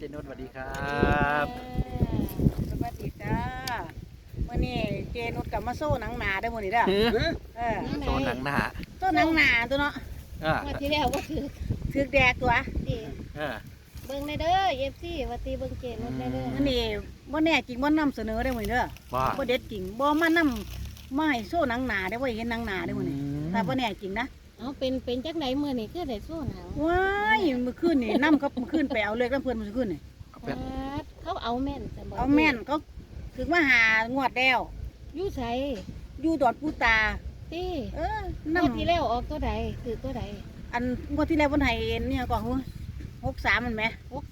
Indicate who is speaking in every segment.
Speaker 1: นุชสวัสดีครับ
Speaker 2: สวัสดีจ้าวันนี้เจนุชกับมาโซ่หนังหนาได้หมดนี่เด้อ
Speaker 1: โซนหนังหนา
Speaker 2: โซ่หนังหนาตัวเนาะ
Speaker 3: ว่าที่แล้วก็
Speaker 2: ถือแดกตัว
Speaker 3: ดีเบิ่งในเด้อเอฟซีว่าตีเบิ่งเจนุชได้เด้อ
Speaker 2: วันนี้บ่แน่จริงบ่นำเสนอได้หมดนี่เด้อบ่เด็ดจริงบ่มานำมาให้โซ่หนังหนาได้บ่เห็นหนังหนาได้หมดนี่ถ้าบ่แน่จริงนะ
Speaker 3: เอาเป็นจักไหนมื้อนี่คือได้สู้หนัง
Speaker 2: ว้ายเมื่อคืนนี่นำครับเมื่อคืนไปเอาเลขน้ำเพิ่นเมื่อคืนนี่
Speaker 3: เขาเอาแม่นจะบอก
Speaker 2: เอาแม่นเขาถึงมาหางวดแล้ว
Speaker 3: อยู่ไส
Speaker 2: อยู่ดอดปูตา
Speaker 3: ตี
Speaker 2: นำ
Speaker 3: งวดที่แล้วออกตัวใดคือตัวใด
Speaker 2: อันงวดที่แล้วเพิ่นให้เนี่ยก่อนฮู้63มันแหม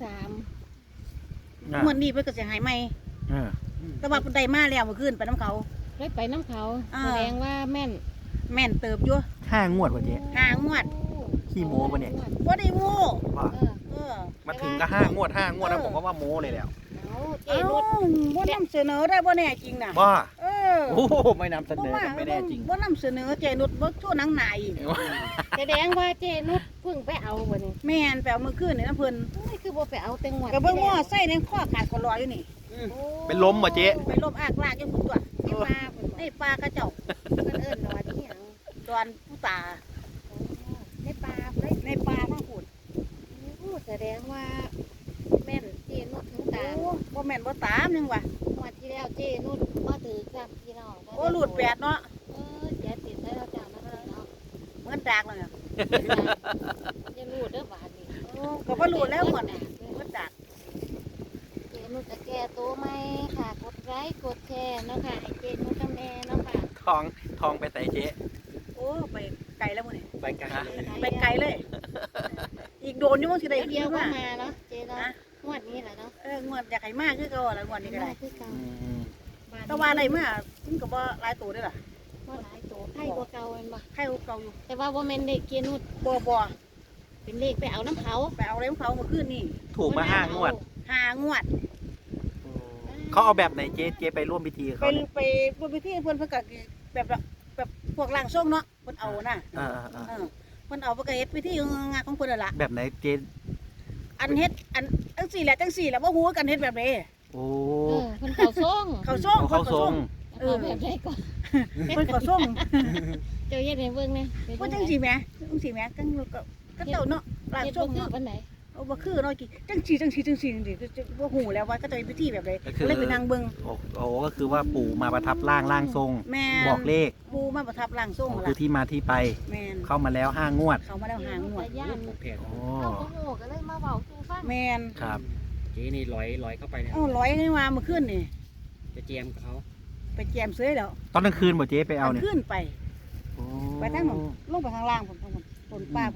Speaker 3: 63
Speaker 2: งวดนี้เพิ่นก็สิให้ใหม่แต่ว่าเพิ่นได้มาแล้วเมื่อคืนไปน้ำเขา
Speaker 3: เลยไปน้ำเขาแสดงว่าแม่น
Speaker 2: แม่นเติบอยู่
Speaker 1: 5 งวดวะเจ๊
Speaker 2: 5 งวด
Speaker 1: ขี้โม้ปะเนี่ย
Speaker 2: บ่ได้โม้
Speaker 1: ว่า มาถึงก็5 งวด 5 งวดแล้วผมก็ว่าโม้เลยแล้ว
Speaker 3: เอาเจ
Speaker 2: เอ้า
Speaker 3: นุช
Speaker 2: บ่นำเสนอได้บ่แน่จริงน่ะ
Speaker 1: ว่า
Speaker 2: เออ
Speaker 1: โอ้ไม่นำเสนอไม่แน่จริง
Speaker 2: บ่นำเสนอเจนุชบ่ชั่วหนังหนาอีก
Speaker 3: แสดงว่าเจนุชเพิ่งไปเอาบ่นี่
Speaker 2: แม่นไปเอามื้อคืนนี่นะเพิ่น
Speaker 3: นี่คือบ่ไปเอาแต่งวด
Speaker 2: ก็เบิ่งว่าใส่ในข้อขาดคอรออยู่นี่
Speaker 1: เป็นลมป่ะเจ๊
Speaker 2: ไปลบอากลากอยู่พุ่นตัว
Speaker 3: ที่ปลาเพิ่น
Speaker 2: ในป่ากระเจ้า
Speaker 3: เพิ่นเอิ้นว่าที่หยัง
Speaker 2: ดอนผู้ตา
Speaker 3: ในปลาเพิ่น
Speaker 2: ในป่าทั้งพุ่น
Speaker 3: แสดงว่าแม่นเจนุชถึงตา
Speaker 2: โอ้บ่แม่นบ่ตามยังวะ
Speaker 3: งวดที่แล้วเจนุชบ่ถือกับพี่น้อง
Speaker 2: โอ้หลุดแปดเนาะ
Speaker 3: เสียติดได้แล้วจ้านะคะเนาะ
Speaker 2: เหมือนดากแล้วเนี่ย
Speaker 3: อย่าหลุดเด้อบาดนี้
Speaker 2: โอ้ก็บ่หลุดแล้วหมดเหมือนดาก
Speaker 3: เจนุชจะแก้ตัวไหมค่ะกดไลค์กดแชร์เนาะค่ะให้เจนุชทำแน่เนาะค่ะ
Speaker 1: ทองไปใส่เจ๊
Speaker 2: โอ้ไปไกลแล้วมื้อนี้
Speaker 1: ไปกันเลย
Speaker 2: ไปไกลเลย อีกโดนอยู่มั้งสิได้
Speaker 3: เดียวก็
Speaker 2: มา
Speaker 3: มาเนาะเจเนาะงวดนี้แหละเนาะ
Speaker 2: งวดอยากให้มากคือเก่าละงวดนี้ก็ได้
Speaker 3: คือเก่า
Speaker 2: แต่ว่าอะไรมาถึงก็บ่หลายตัวเด้อล่ะ
Speaker 3: บ่หลายตัวไข่กว่าเก่าแม่นบ่
Speaker 2: ใครเก่าอยู่
Speaker 3: แต่ว่าบ่แม่นเด็กเจนุช
Speaker 2: บ่
Speaker 3: เป็นเลขไปเอาน้ำเขา
Speaker 2: ไปเอาอะไรของเขาเมื่อคืนนี่
Speaker 1: ถูกมา5 งวด
Speaker 2: 5 งวด
Speaker 1: เขาเอาแบบไหนเจ๊ไปร่วมพิธีกับ
Speaker 2: ไป
Speaker 1: เขาเนี่ย
Speaker 2: ไปบนพิธีเพิ่นก็แบบพวกร่างทรงเนาะเพิ่นเอาน่ะเพิ่นเอาไปก็เฮ็ดพิธีงานของเพิ่นนั่นล่ะ
Speaker 1: แบบไหนเจ๊
Speaker 2: อันเฮ็ดอันจังซี่แหละบ่ฮู้กันเฮ็ดแบบใด
Speaker 1: โอ้
Speaker 3: เพิ่นเข้าทรง
Speaker 2: เขาส่ง
Speaker 1: เขาทรง
Speaker 3: เอาแบบใดก่อน
Speaker 2: เพิ่นก็ส่ง
Speaker 3: เจ้าเฮ็ดให้เบิ่งแหน่
Speaker 2: ว่าจังซี่แหมจังก็เจ้าเนาะร่าง
Speaker 3: เฮ็ด
Speaker 2: ทร
Speaker 3: บ่
Speaker 2: ง
Speaker 3: คือ
Speaker 2: เนาะ
Speaker 3: ปานใด
Speaker 2: เอาบ่คือเนาะจังซี่บ่ฮู้แล้วว่าก็จะเป็นพิธีแบบใดก็เลยไปนั่งเบิ่ง
Speaker 1: โอ้ก็คือว่าปู่มาประทับร่างทรง
Speaker 2: แม่น
Speaker 1: บอกเลข
Speaker 2: ปูมาประทับร่างทรง
Speaker 1: คื
Speaker 2: ล่ะ
Speaker 1: อที่มาที่ไป
Speaker 2: แม่น
Speaker 1: เข้ามาแล้ว5 งวด
Speaker 2: เขามาแล้วหางวด
Speaker 3: ย่าน
Speaker 1: โอ้
Speaker 3: เอาบ่ฮู้ก็เลยมาเว้าสู่ฟัง
Speaker 2: แม่น
Speaker 1: ครับ
Speaker 4: เจ๊นี่ลอยเข้าไปเนี่ย
Speaker 2: เอาร้อยให้มาเมื่อคืนนี่
Speaker 4: จะเจียมเขา
Speaker 2: ไปแจมเสื้อแล้ว
Speaker 1: ตอนกลางคืนบ่เจ๊ไปเอาเนี่ย
Speaker 2: ขึ้นไป
Speaker 1: โอ้
Speaker 2: ไปทางนั้นลงไปข้างล่างผมต้นป้าผม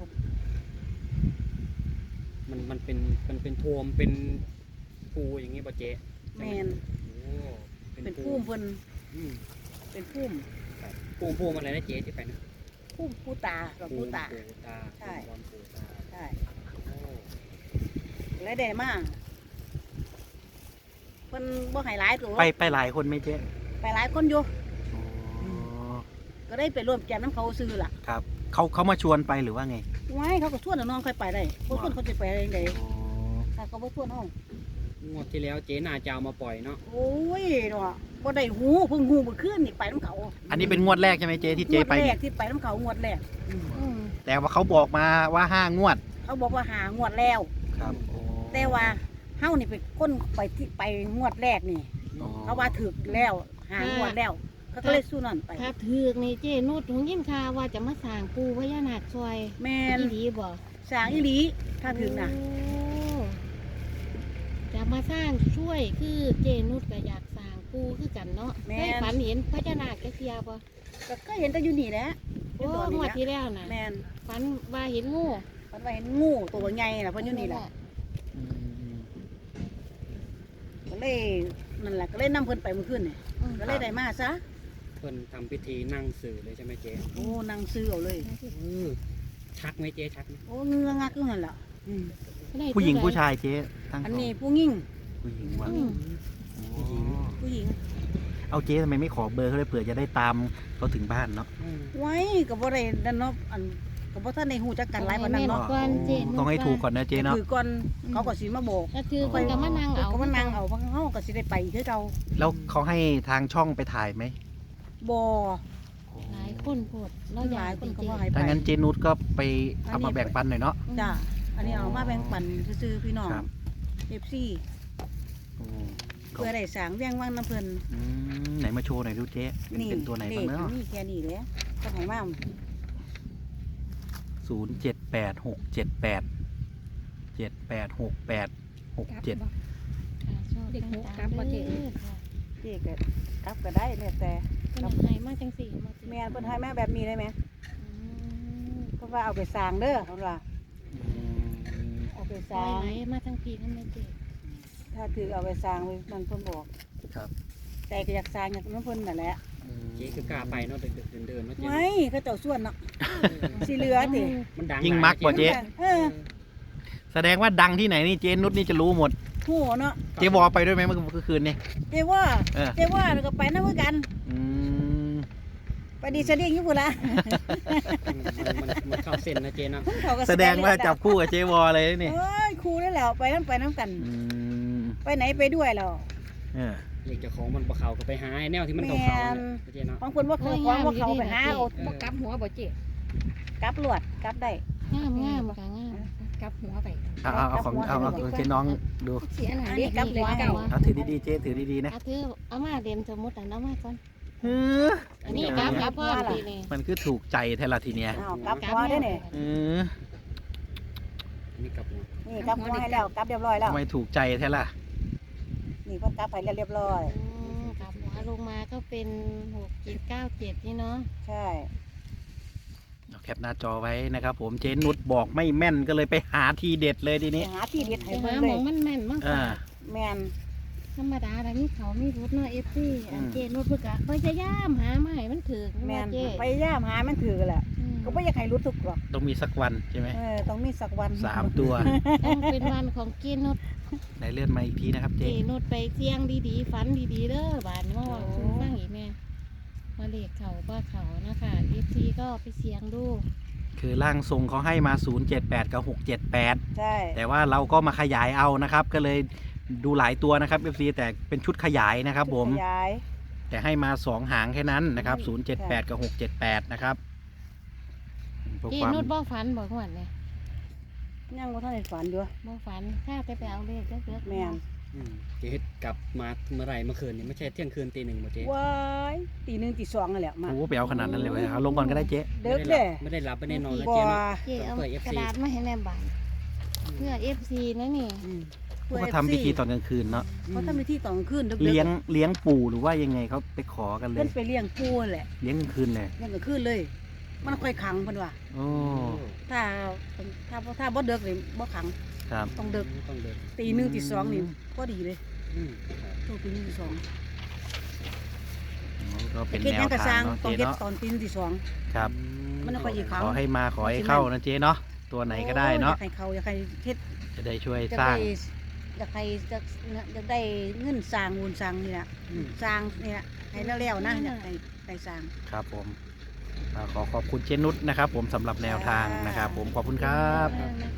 Speaker 4: มันเป็นโทมเป็นภูอย่างงี้ป่ะเจ๊
Speaker 2: แมน
Speaker 4: โอ้
Speaker 2: เป็นพุ่มเพิ่น
Speaker 4: อืม
Speaker 2: เป็นพุ่ม
Speaker 4: ภูมิอะไรนะเจ๊ที่ไปนะ
Speaker 2: พุ่มผู้ตากับผู้ตา
Speaker 4: ภูตา
Speaker 2: ใช่
Speaker 4: ภูมิภูตา
Speaker 2: ใช่
Speaker 4: โอ้
Speaker 2: และได้มาเพิ่นบ่ให้หลายตัว
Speaker 1: ไปหลายคนไหมเจ๊
Speaker 2: ไปหลายคนอยู่
Speaker 1: อ๋อ
Speaker 2: ก็ได้ไปร่วมแจมน้ำเขาซื้อล่ะ
Speaker 1: ครับเขามาชวนไปหรือว่าไง
Speaker 2: ไว้เขาก็ชวนน้องค่อยไปได้บ่ชวนเขาจะไปได้ไง
Speaker 1: อ๋อ
Speaker 2: ถ้าเขาบ่ชวนเฮาง
Speaker 4: วดที่แล้วเจ๊น่าจะเอามาปล่อยเนาะ
Speaker 2: โอ้ยเนาะบ่ได้หูเพิ่งหูเมื่อคืนนี่ไปน้ำเขา
Speaker 1: อันนี้เป็นงวดแรกใช่ไหมเจ๊ที่เจ๊ไป
Speaker 2: งวดแร
Speaker 1: เนี่
Speaker 2: ก
Speaker 1: ย
Speaker 2: ที่ไปน้ำเขางวดแรกอืม
Speaker 1: แต่ว่าเขาบอกมาว่า5 งวด
Speaker 2: เขาบอกว่าหางวดแล้ว
Speaker 1: ครับ
Speaker 2: แต่ว่าเฮานี่เป็นคนไปที่ไปงวดแรกนี่ เขาว่าถึกแล้วหางวดแล้วเขาก็เลยสู้นั่นไป
Speaker 3: ถ้าถือกนี่เจนุชหงยินข่าวว่าจะมาสร้างปู่พญานาคซอย
Speaker 2: แม่น
Speaker 3: อีหลีบ่
Speaker 2: สร้างอีหลีถ้าถึงน่ะ
Speaker 3: โอ้จะมาสร้างช่วยคือเจนุชก็อยากสร้างปู่คือกันเนาะเคยฝันเห็นพญานาคแกเทียบ่
Speaker 2: ก็เห็นแต่อยู่นี่แหละอ
Speaker 3: โอ้
Speaker 2: ยู่ตอน
Speaker 3: ง
Speaker 2: นี้
Speaker 3: วด
Speaker 2: แหละ
Speaker 3: ที่แล้วน่ะ
Speaker 2: แม่น
Speaker 3: ฝันว่าเห็นงู
Speaker 2: มันว่าเห็นงูตัวใหญ่น่ะเพิ่นอยู่นี่แหละ
Speaker 1: อืม
Speaker 2: ก็เลยนั่นแหละก็เลยนำเพิ่นไปเมื่อคืนนี่
Speaker 3: อืม
Speaker 2: ก็เลยได้มาซะ
Speaker 4: เพิ่นทำพิธีนั่งสื่อเลยใช่ไหมเจ๊
Speaker 2: โอ้นางซื้อเอาเลย
Speaker 4: ชักไหมเจ๊ชักไหม
Speaker 2: โอ้เงืองักอยู่นั่นแหละ
Speaker 1: ผู้หญิงผู้ชายเจ๊ทั้ง
Speaker 2: อันนี้ผู้หญิง
Speaker 1: ผู้หญิงว่ะ
Speaker 3: อืม
Speaker 1: อ๋อ
Speaker 2: ผู้หญิง
Speaker 1: เอาเจ๊ทำไมไม่ขอเบอร์เขาเลยเผื่อจะได้ตามเขาถึงบ้านเนาะ
Speaker 2: ไว้ก็บ่ได้นั่นเนาะอันก็ก็บ่ทันได้ฮู้จักกันหลายปานนั้นเนาะ
Speaker 3: ก่อนเจนุช
Speaker 1: ต้องให้ถูกก่อนนะเจ๊เนาะ
Speaker 2: คือก่อนเขาก็สิมาบอก
Speaker 3: ก็คือคนก็มานั่งเอา
Speaker 2: ก็มานั่งเอาเพราะเฮาก็สิได้ไปคือเก่า
Speaker 1: แล้วเขาให้ทางช่องไปถ่ายไหม
Speaker 2: บ่
Speaker 3: หลายคนโพดเรา
Speaker 2: ห
Speaker 3: อยา
Speaker 2: ลาย
Speaker 3: ก
Speaker 2: คนก็
Speaker 3: เจ
Speaker 2: บ่ให้ไป
Speaker 1: ถ้างั้นเจนุชก็ไปเอามาแบ่งปันหน่อยเนาะ
Speaker 2: จ้ะอันนี้เอามาแบ่งปันซื่อๆพี่น้อง
Speaker 1: ครับ
Speaker 2: FC
Speaker 1: โอ้
Speaker 2: เพื่อได้สร้างเวียงวังน้ำเพิ่น
Speaker 1: ไหนมาโชว์หน่อยดูเจ๊เป็นตัวไหนบ้างเนาะ
Speaker 2: นี่แค่นี้แหละก็ให้มา
Speaker 1: 0786787867
Speaker 3: เด็กหูกลับมาเจ
Speaker 2: เจ๊ก็กลับก็ได้แล้วแต่
Speaker 3: คนไหนมาจังสี่มา
Speaker 2: แม่นเพิ่นให้มาแบบนี้ได้ไหมเพราะว่าเอาไปสร้างเด้อเพิ่นว่าเอาไปส
Speaker 3: ซอ
Speaker 2: ร้าย ง
Speaker 3: ไหนมาทั้งปีนั่นไม่เจ
Speaker 2: ถ้าถือเอาไปสร้างไว้นั่นเพิ่นบอก
Speaker 1: ครับ
Speaker 2: แต่ก็อยากสร้างอย่างนั้นเพิ่นนั่นแหละ
Speaker 4: เจ๊คือกล้าไปเนาะเดินๆเนาะเจ๊
Speaker 2: ไม่เขาเจ้าส่วนเนาะสิเหลือติ
Speaker 4: มันดัง
Speaker 1: ยิ่งมักกว่าเจ๊
Speaker 2: เออ
Speaker 1: แสดงว่าดังที่ไหนนี่เจนุชนี่จะรู้หมด
Speaker 2: โหเนาะ
Speaker 1: เจ๊วอไปด้วยไหมเมื่อคืนนี่
Speaker 2: เจ้ว่า
Speaker 1: เออ
Speaker 2: เจ้ว่าแล้วก็ไปนำคือกัน
Speaker 1: อืม
Speaker 2: ไปดีเสด็จอยู่พุ่นละ
Speaker 4: มันเข้าเส้นนะเจ๊เนาะ
Speaker 2: เขาก็
Speaker 1: แสดงว่าจับคู่กับเจ๊วอเลยนี่
Speaker 2: เอ้ยครูได้แล้วไปน้ำกัน
Speaker 1: อืม
Speaker 2: ไปไหนไปด้วยแล้ว
Speaker 1: เออ
Speaker 4: เด็กเจ้าของมันบ่เขาก็ไปหาไอ้แนวที่มันเขาๆนะเจ๊เนาะ
Speaker 2: บางคนว่าเขาของว่าเขาไปหาเอา
Speaker 5: บ่กลับหัวบ่เจ๊
Speaker 2: กลับลวดกลับได้
Speaker 3: งามงามค่ะงาม
Speaker 5: กลับหัวไป
Speaker 1: เอาของเจ๊น้องดู
Speaker 5: เสียหน้า
Speaker 2: อัน
Speaker 5: เด็
Speaker 2: นี้
Speaker 5: ก
Speaker 2: กลับหัว
Speaker 5: เก่า
Speaker 1: เอาถือดีๆเจ๊ถือดีๆนะ
Speaker 3: เอาถือเอามาเด่นสมมุติเอามาก่อน
Speaker 1: เออ
Speaker 3: อันนี้กลับกับพ่อปีนี่
Speaker 1: มันคือถูกใจแท้ละทีเนี้ย
Speaker 2: อ้าวกลับหัวได้เนี่ย
Speaker 1: เออ
Speaker 4: อันนี้กลับหัว
Speaker 2: นี่กลับหัวให้แล้วกลับเรียบร้อยแล้ว
Speaker 1: ทำไมถูกใจแท้ล่ะ
Speaker 2: นี่เพิ่นกลับไปแล้วเรียบร้อย
Speaker 3: กลับหัวลงมาก็เป็น6797นี่เนาะ
Speaker 2: ใช่
Speaker 1: เอาแคปหน้าจอไว้นะครับผมเจนุชบอกไม่แม่นก็เลยไปหาทีเด็ดเลยที
Speaker 2: ไป
Speaker 1: นี้
Speaker 2: หาที่เด็ด
Speaker 3: ไป
Speaker 2: ให้
Speaker 3: หา
Speaker 2: เพิ่น
Speaker 3: ห
Speaker 2: เล
Speaker 3: มอย งมันแม่นมาก
Speaker 1: อ่า
Speaker 2: แม่น
Speaker 3: ธรรมดาแล้วมีเขามีรถเนาะ FC อันเจนุชเพิ่นก็พยายามหามาให้มันถึก
Speaker 2: แม่น
Speaker 3: เจ๊
Speaker 2: พยายามหามันถือแหละก็บ่อยากให้รู้ทุกหรอก
Speaker 1: ต้องมีสักวันใช่ไหม
Speaker 2: ต้องมีสักวัน
Speaker 1: 3 ตัว
Speaker 3: ต้องเป็นวันของเจนุช
Speaker 1: ไหนเลื่อนมาอีกทีนะครับ
Speaker 3: เจ
Speaker 1: เจ๊
Speaker 3: นุชไปเสี่ยงดีๆฝันดีๆเด้อบาดนี้มาว่าคุณฟังอีกแม่มาเลขเขาบ่เขานะคะ FC ก็ไปเสี่ยงดู
Speaker 1: คือร่างทรงเขาให้มา 078 กับ 678
Speaker 2: ใช่
Speaker 1: แต่ว่าเราก็มาขยายเอานะครับ ก็เลยดูหลายตัวนะครับ FC แต่เป็นชุดขยายนะครับผม
Speaker 2: ขยาย
Speaker 1: แต่ให้มา 2 หางแค่นั้นนะครับ 078 กับ 678 นะครับเพื่อ
Speaker 3: เจ
Speaker 1: ความ
Speaker 3: นุชบ่ฝันบ่หวนเนี่ย
Speaker 2: ยังบ่ทันได้ฝันอยู่
Speaker 3: บ่ฝันข้าแต่ไปเอาเลขเด้อ
Speaker 2: แม่น
Speaker 4: เจ๊กลับมาเมื่อไหร่เมื่อคืนนี่ไม่ใช่เที่ยงคืนตีหนึ่งบ่เจ๊
Speaker 2: ว้ายตี 1 ตี 2นั่นแหละมา
Speaker 1: โอ้โหไปเอาขนาดนั้นเลยเว้ยเอาลงก่อนก็ได้เจ๊
Speaker 2: เด็กเด้
Speaker 4: ไม่ได้รับไม่ได้นอนนะ
Speaker 2: บ่
Speaker 4: เจ๊เนาะ
Speaker 3: เจเอากระดาษมาให้แม่บานเพื่อ FC นะนี่
Speaker 1: พวกเขาทำพิธีตอนกลางคืนเนาะ
Speaker 2: เขาทำพิธีตอนกลางคืนดึกๆ
Speaker 1: เลี้ยงปู่หรือว่ายังไงเขาไปขอกันเล
Speaker 2: เพิ่
Speaker 1: ย
Speaker 2: นไปเลี้ยงปูนั่นแหละ
Speaker 1: เลี้ยงกลางคืนเลย
Speaker 2: เลี้ยงกลางคืนเลย มันค่อยขังเพิ่นว่า
Speaker 1: โอ้
Speaker 2: ถ้าบ่เด็กนี่บ่ขัง
Speaker 1: ครับ
Speaker 2: ต้องเด็ก
Speaker 4: ต้องเดิน
Speaker 2: ตี 1 ตี 2นี่พอดีเลย ต้องตี 1 ตี 2
Speaker 1: ก็เป็น
Speaker 2: เฮ็ด
Speaker 1: แน
Speaker 2: หยั
Speaker 1: ว
Speaker 2: งก็ส
Speaker 1: ทา
Speaker 2: ร้าง ง
Speaker 1: เนาะ
Speaker 2: ต้อง
Speaker 1: เจ๊
Speaker 2: เฮ็ด
Speaker 1: เนาะ
Speaker 2: ตอนตี 1 ตี 2
Speaker 1: ครับ
Speaker 2: มันค่อยสิขัง
Speaker 1: ขอให้มาขอให้เข้านะเจ๊เนาะตัวไหนก็ได้เนาะ
Speaker 2: อยากให้เขาอยากให้เฮ็ด
Speaker 1: จะได้ช่วย
Speaker 2: อยาก
Speaker 1: สร้าง
Speaker 2: ได้อยากให้อยากได้เงินสร้างมูลสร้างนี่ล่ะสร้างนี่ล่ะให้แล้วๆนะอยากให้สร้าง
Speaker 1: ครับผมขอขอบคุณเจนุชนะครับ ผมสำหรับแนวทางนะครับ ผมขอบคุณครับ
Speaker 3: นะ